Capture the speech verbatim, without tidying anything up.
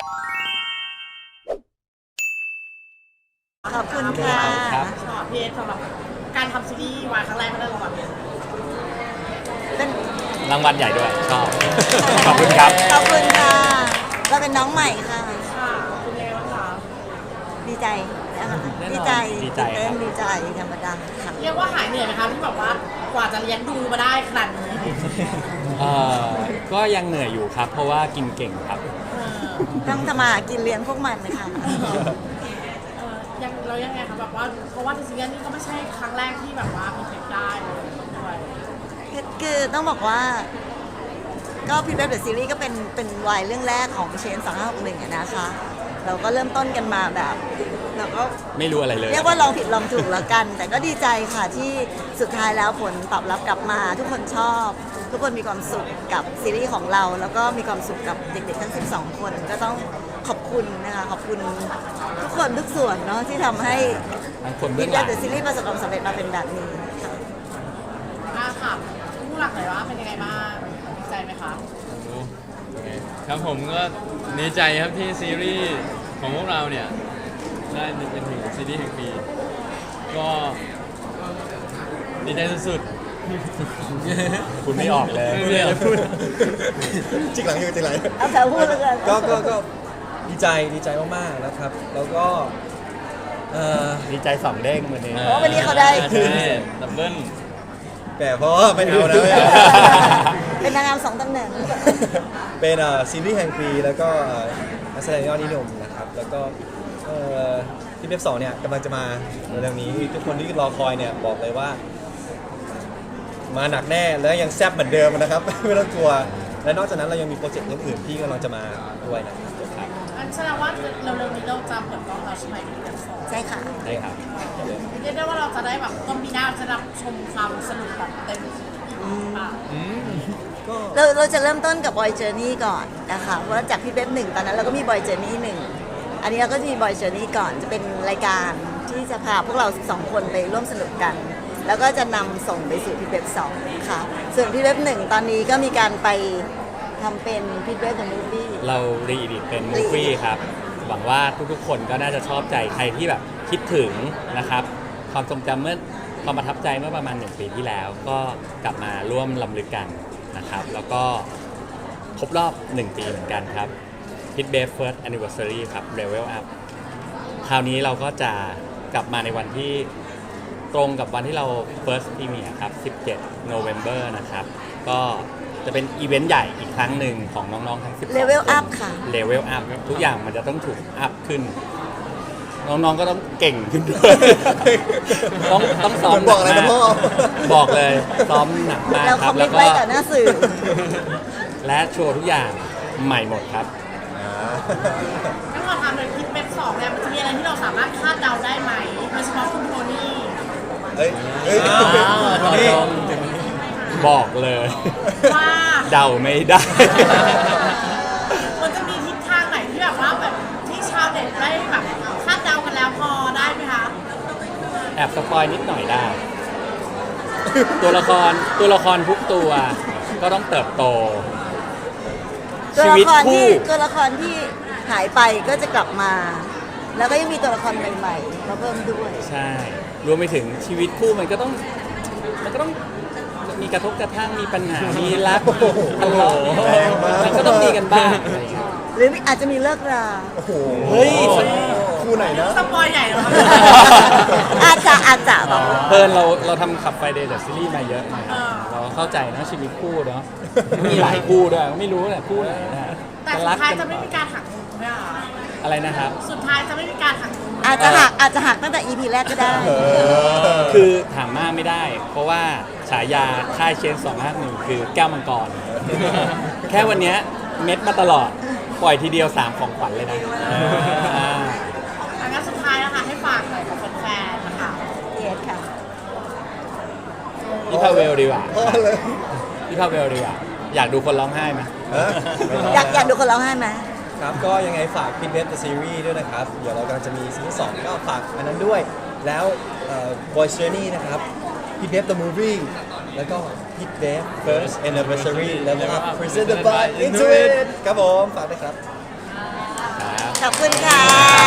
ขอบคุณค่ะครับพี่เอสสำหรับการทำซีรีส์วายครั้งแรกก็ได้รางวัลเนี่ยเป็นรางวัลใหญ่ด้วยชอบ ขอบคุณครับขอบคุณค่ะเราเป็นน้องใหม่ค่ะค่ะคุณเลวค่ะดีใจนะคะแน่นอนดีใจดีใจตื่นเต้นครับดีใจธรรมดาค่ะเรียกว่าหายเหนื่อยไหมคะที่แบบว่ากว่าจะเลี้ยงดูมาได้ขนาดนี้เอ่อก็ยังเหนื่อยอยู่ครับ เพราะว่ากินเก่งครับเออต้องทำมาหากินเลี้ยงพวกมันเลยค่ะเออยังเรายังไงคะแบบว่าเพราะว่าในซีรีส์นี้ก็ไม่ใช่ครั้งแรกที่แบบว่ามีเทคได้เลยด้วยคือคือต้องบอกว่า ก็พีเว็บเดอะซีรีส์ก็เป็นเป็นวายเรื่องแรกของเชนสองห้าหกหนึ่งนะคะ เราก็เริ่มต้นกันมาแบบเราก็ไม่รู้อะไรเลยเรียกว่าลองผิดลองถูกแล้วกัน แต่ก็ดีใจค่ะที่สุดท้ายแล้วผลตอบรับกลับมา ทุกคนชอบ ทุกคนมีความสุขกับซีรีส์ของเรา แล้วก็มีความสุขกับเด็กๆทั้งสิบสองคนก็ต้องขอบคุณนะคะขอบคุณทุกคนทุกส่วนเนาะที่ทำให้ทั้งคนเบื้พีองหเว็ลับงเดอะซีรีส์ประสบความสำเร็จมาเป็นแบบนี้ค่ะอ่าค่ะผู้หลักหน่อยว่าเป็นยังไงบ้างดีใจไหมคะครับผมก็ดีใจครับที่ซีรีส์ของพวกเราเนี่ยได้เป็นถึงซีรีส์แห่งปีก็ดีใจสุดคุณไม่ออกเลยๆไม่อยากจะพูดจิกหลังอยู่จิกหลังเอาแต่พูดเลยกันก็ก็ก็ดีใจดีใจมากๆนะครับ แล้วก็เอ่อดีใจสองเด้งวันนี้เพราะวันนี้เขาได้ใช่ดับเบิ้ลแต่เพราะว่าไม่เอานะไม่เอาเป็นนางงามสองตำแหน่งเป็นเอ่อซีรีส์แห่งปีแล้วก็เอ่อนักแสดงยอดนิยมนะครับ แล้วก็เอ่อที่เว็บสองเนี่ยกำลังจะมาเร็วๆนี้ทุกคนที่รอคอยเนี่ยบอกเลยว่า มาหนักแน่แล้วยังแซ่บเหมือนเดิมนะครับ ไม่ต้องกลัว และนอกจากนั้นเรายังมีโปรเจกต์อื่นๆที่กำลังจะมาด้วยนะครับอันแสดงว่าเร็วๆนี้เราจะเปิดกล้องแล้วใช่ไหมที่เดือนสองใช่ค่ะได้ครับเรียกได้ว่าเราจะได้แบบต้นปีหน้าจะรับชมความสนุกแบบเต็มที่ค่ะก็เราเราจะเริ่มต้นกับบอยเจอร์นี่ก่อนนะคะเพราะว่าจากพี่เว็บหนึ่งตอนนั้นเราก็มีบอยเจอร์นี่หนึ่งอันนี้เราก็จะมีบอยเจอร์นี่ก่อนจะเป็นรายการที่จะพาพวกเราสองคนไปร่วมสนุกกัน แล้วก็จะนำส่งไปสู่พี่เว็บสองค่ะส่วนพี่เว็บหนึ่งตอนนี้ก็มีการไปทำเป็นพี่เว็บเดอะมูฟวี่เรารีดิตเป็นมูฟวี่ครับ หวังว่าทุกๆ คนก็น่าจะชอบใจใครที่แบบคิดถึงนะครับ ความทรงจำเมื่อความประทับใจเมื่อประมาณหนึ่งปีที่แล้ว ก็กลับมาร่วมลำลึกกันนะครับ แล้วก็ครบรอบหนึ่งปีเหมือนกันครับ Hit Babe First Anniversary ครับ Level Up คราวนี้เราก็จะกลับมาในวันที่ตรงกับวันที่เรา First Premiere ครับ สิบเจ็ด November นะครับ ก็จะเป็นอีเวนต์ใหญ่อีกครั้งหนึ่งของน้องๆทั้งสิบสอง Level คน Up ค่ะ Level Up ทุกอย่างมันจะต้องถูกอัพขึ้น น้องๆก็ต้องเก่งขึ้นด้วย ต้องต้องซ้อมบอกอะไรนะพ่อบอกเลยซ้อมหนักมากเราคครัอบ มมิแล้ตวก็ไว้ต่อหน้าสื่อและโชว์ทุกอย่างใหม่หมดครับงั้นขอถามหน่อยคลิปเว็บสองเนี่ยมันจะมีอะไรที่เราสามารถคาดเดาได้ไหมโดยเฉพาะคุณโทนี่เฮ้ยเฮ้ยอ้าวคนนี้บอกเลยว่าเดาไม่ได้มันจะมีทิศทางไหนที่แบบว่าแบบที่ชาวเน็ตได้แบบคาดเดากันแล้วพอได้ไหมคะแอบสปอยนิดหน่อยได้ ตัวละครตัวละครทุกตัวก็ต้องเติบโตตัวชีละวิตครที่คู่ตัวละครที่หายไปก็จะกลับมา แล้วก็ยังมีตัวละครใหม่ๆมาเพิ่มด้วยใช่ รวมไปถึงชีวิตคู่มันก็ต้องมันก็ต้องมีกระทบกระทั่งมีปัญหา มีรักทะเลาะแรงมากมันก็ต้องมีกันบ้างอะไรอย่างเงี้ยหรืออาจจะมีเลิกราโอ้โหเฮ้ยคู่ไหนนะสปอยใหญ่เลยอาจจะอาจจะบอกเพิ่นเราเราทำขับไฟเดย์จากซีรีส์มาเยอะนะเราเข้าใจนะชีวิตคู่เนาะมีหลายคู่ด้วยไม่รู้แหละคู่ไหนนะแต่สุดท้ายจะไม่มีการหักมุมใช่ไหมคะอะไรนะครับสุดท้ายจะไม่มีการหักมุมอาจจะหักอาจจะหักตั้งแต่ อี พี แรกก็ได้คือถามมากไม่ได้ เพราะว่าฉายาค่ายเชนสองห้าหนึ่งคือแก้วมังกร แค่วันเนี้ยเม็ดมาตลอด ปล่อยทีเดียวสามของขวัญเลยนะอ่าอันนั้นสุดท้ายนะคะให้ฝากหน่อยกับแฟนๆนะคะเยสค่ะพี่พาเวลดีกว่าพ่อเลยพี่พาเวลดีกว่า อยากดูคนร้องไห้ไหมฮะอยากอยากดูคนร้องไห้ไหมครับก็ยังไงฝากพิทเว็บ The Series ด้วยนะครับ เดี๋ยวเรากำลังจะมีซีซั่นสองก็ฝากอันนั้นด้วย แล้วเอ่อ Boy Journey นะครับพิทเว็บ The Movie แล้วก็พิทเว็บ First Anniversary แล้วก็ Presented by Intuit ครับผม ฝากด้วยครับคขอบคุณค่ะ